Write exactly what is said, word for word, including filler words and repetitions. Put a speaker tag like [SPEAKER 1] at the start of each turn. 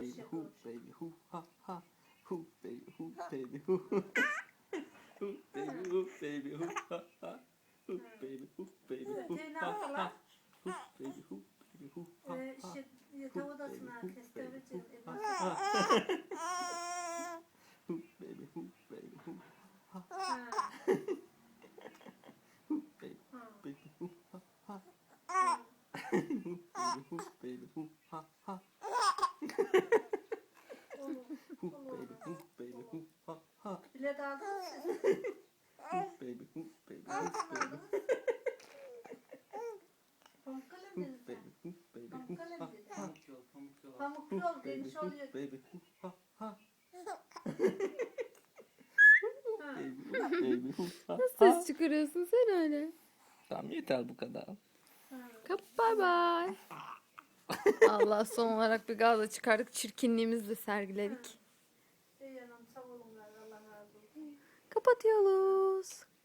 [SPEAKER 1] baby
[SPEAKER 2] şey
[SPEAKER 1] who
[SPEAKER 2] olur.
[SPEAKER 1] baby who ha ha who baby who baby who who baby who baby who ha ha who baby who baby who
[SPEAKER 2] Öte ne
[SPEAKER 1] ha
[SPEAKER 2] yaptılar?
[SPEAKER 1] ha who baby who baby who ha
[SPEAKER 2] Ee,
[SPEAKER 1] ha
[SPEAKER 2] şey,
[SPEAKER 1] who
[SPEAKER 2] yatak
[SPEAKER 1] baby
[SPEAKER 2] odasına
[SPEAKER 1] who baby
[SPEAKER 2] kestireceğim.
[SPEAKER 1] who
[SPEAKER 2] E,
[SPEAKER 1] ha
[SPEAKER 2] nasıl?
[SPEAKER 1] ha who baby who baby who ha
[SPEAKER 2] Ha.
[SPEAKER 1] who baby
[SPEAKER 2] Ha.
[SPEAKER 1] baby who ha ha
[SPEAKER 2] Ha.
[SPEAKER 1] who baby who baby who ha ha
[SPEAKER 2] Olur.
[SPEAKER 1] who
[SPEAKER 2] Olur.
[SPEAKER 1] baby who baby who ha ha
[SPEAKER 2] Bilet aldınız mı siz?
[SPEAKER 1] who baby who baby who
[SPEAKER 2] Hangisini
[SPEAKER 1] baby
[SPEAKER 2] aldınız? Pamuk kalem
[SPEAKER 1] who
[SPEAKER 2] dedin sen.
[SPEAKER 1] baby who baby
[SPEAKER 2] Pamuk
[SPEAKER 1] who
[SPEAKER 2] kalem
[SPEAKER 1] ha
[SPEAKER 2] dedin.
[SPEAKER 1] ha
[SPEAKER 3] Pamuk yol, pamuk yol.
[SPEAKER 2] Pamuk
[SPEAKER 1] who
[SPEAKER 2] yol
[SPEAKER 1] baby
[SPEAKER 2] geniş
[SPEAKER 1] who
[SPEAKER 2] oluyor.
[SPEAKER 1] baby who ha ha
[SPEAKER 2] Ha.
[SPEAKER 1] baby who baby who ha
[SPEAKER 4] Nasıl
[SPEAKER 1] ha.
[SPEAKER 4] ses çıkarıyorsun sen öyle?
[SPEAKER 1] Tamam yeter bu kadar.
[SPEAKER 2] Ha.
[SPEAKER 4] Kap bay bay. Allah, son olarak bir gazla çıkardık. Çirkinliğimizi de sergiledik.
[SPEAKER 2] İyi yanım sağ olun. Allah razı olsun.
[SPEAKER 4] Kapatıyoruz.